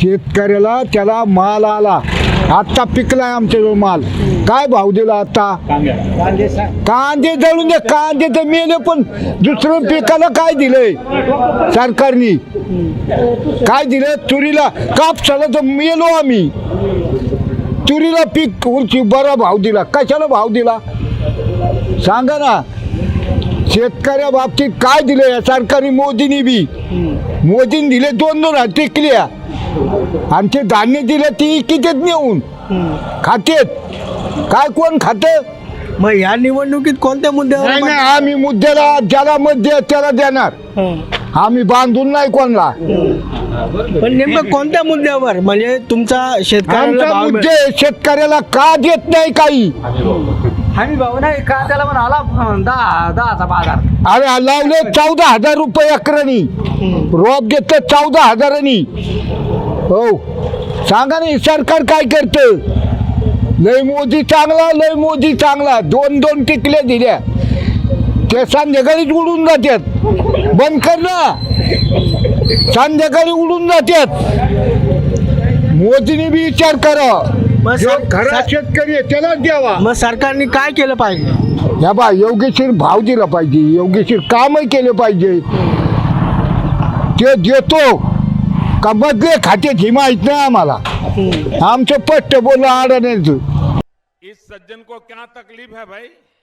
शेतकऱ्याला त्याला माल आला, आता पिकलाय आमच्याजवळ माल, काय भाव दिला आता? कांदे जळून दे, कांदे तर मेले, पण दुसरं पिकाला काय दिलंय सरकारने? काय दिलं? तुरीला, कापसाला तर मेलो आम्ही, तुरीला पीक उंची बरा भाव दिला, कशाला भाव दिला सांगा ना? शेतकऱ्या बाबतीत काय दिलं या सरकारी? मोदींनी बी, मोदींनी दिले 2-2 टिकल्या, आणि ते धान्य दिलं ती कितीत नेऊन खातेत, काय कोण खातं? मग या निवडणुकीत कोणत्या मुद्द्यावर नाही नाही, आम्ही मुद्द्याला ज्याला मत द्या त्याला देणार, आम्ही बांधून नाही कोणला. पण नेमकं कोणत्या मुद्द्यावर? म्हणजे तुमचा शेतकऱ्याला आमचा भाव मुद्दे शेतकऱ्याला का देत नाही काही? हमी भाऊ नाही का त्याला म्हणाला 10चा बाजार. अरे लावले 14,000 रुपये एकरानी, रोप घेतलं 14,000. हो सांगा ना, सरकार काय करतं? लय मोदी चांगला, लय मोदी चांगला, 2-2 टिकल्या दिल्या, ते संध्याकाळीच उडून जातात, बंद कर ना, संध्याकाळी उडून जातात. मोदीने बी विचार करा, खरा शेतकरी आहे त्यालाच द्यावा. मग सरकारने काय केलं पाहिजे? या बा, योग्यशीर भाव दिला पाहिजे, योग्यशीर कामही केले पाहिजे. ते देतो का बदले खाते ही माहित नाही आम्हाला, आमचं पट्ट बोलणं अडण्याचं. इस सज्जन को क्या तकलीफ है भाई?